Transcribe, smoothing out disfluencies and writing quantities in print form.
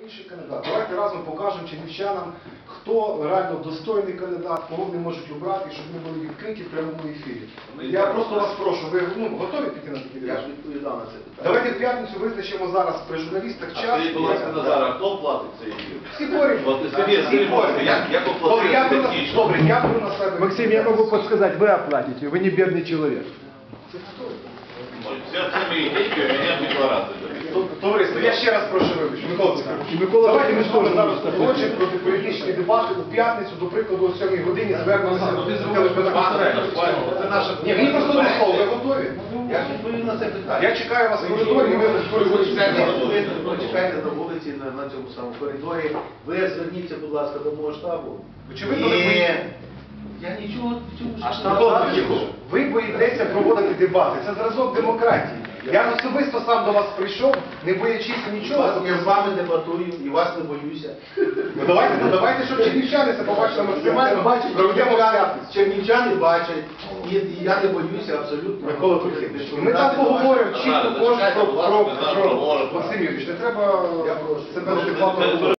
Інший кандидат. Давайте разом покажемо чернівчанам, хто реально достойний кандидат, кого вони можуть обрати, щоб ми були відкриті в прямому ефірі. Я просто вас прошу, ви готові піти на такий дебат? Я ж відповідав на це питання. Давайте в п'ятницю визначимо зараз при журналістах час. Скажіть, будь ласка, Назар, а хто платить цей ефір? Всі борють. Сергій, як оплатити технічно? Добре, я беру на себе. Максим, я могу подсказать, вы оплатите, вы не бедный человек. Все це мої деньги, у мене декларація. Товариство, я ще раз прошу вибачення. Микола Петрович, Микола давайте ми Петрович з вами теж зараз не хочемо проти політичні дебати у п'ятницю, до прикладу, о 7 годині звернемося до телеканалу. Це наша... Ні, мені просто не слово, ви готові? Я ж відповів на це питання. Я чекаю вас в коридорі, і ви в коридорі. Ви почекайте на вулиці, на цьому самому коридорі. Ви зверніться, будь ласка, до мого штабу. Очевидно, ви боїтеся. Я нічого в цьому Микола Петрович, ви боїтеся проводити дебати. Це зразок демократії. Я особисто сам до вас прийшов, не боячись нічого. Я з вами дебатую і вас не боюся. Давайте, щоб чернівчани це побачили максимально. Проведемо п'ятницю. Чернівчани бачать, і я не боюся абсолютно. Микола Петрович, ми там поговоримо чітко кожен про Максим Юрійович, не треба Я прошу. себе адекватно.